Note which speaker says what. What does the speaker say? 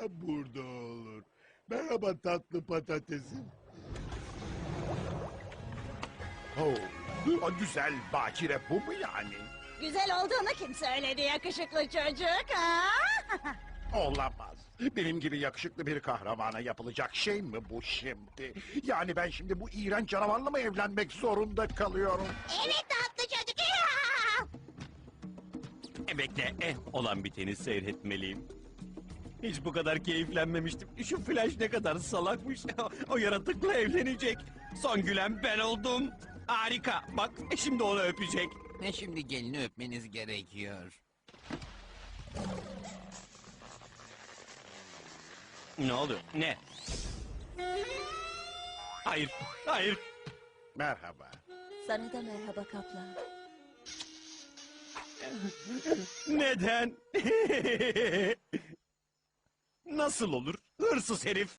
Speaker 1: burada olur. Merhaba tatlı patatesim. O güzel bakire bu mu yani?
Speaker 2: Güzel olduğunu kim söyledi yakışıklı çocuk? Ha?
Speaker 1: Olamaz. Benim gibi yakışıklı bir kahramana yapılacak şey mi bu şimdi? Yani ben şimdi bu iğrenç canavarla mı evlenmek zorunda kalıyorum?
Speaker 2: Evet tatlı çocuk.
Speaker 3: Bekle, olan biteni seyretmeliyim. Hiç bu kadar keyiflenmemiştim. Şu Flash ne kadar salakmış. O yaratıkla evlenecek. Son gülen ben oldum. Harika. Bak, şimdi onu öpecek.
Speaker 4: Şimdi gelini öpmeniz gerekiyor.
Speaker 3: Ne oluyor? Ne? Hayır, hayır.
Speaker 1: Merhaba.
Speaker 2: Sana da merhaba kaplan.
Speaker 3: Neden? Nasıl olur? Hırsız herif.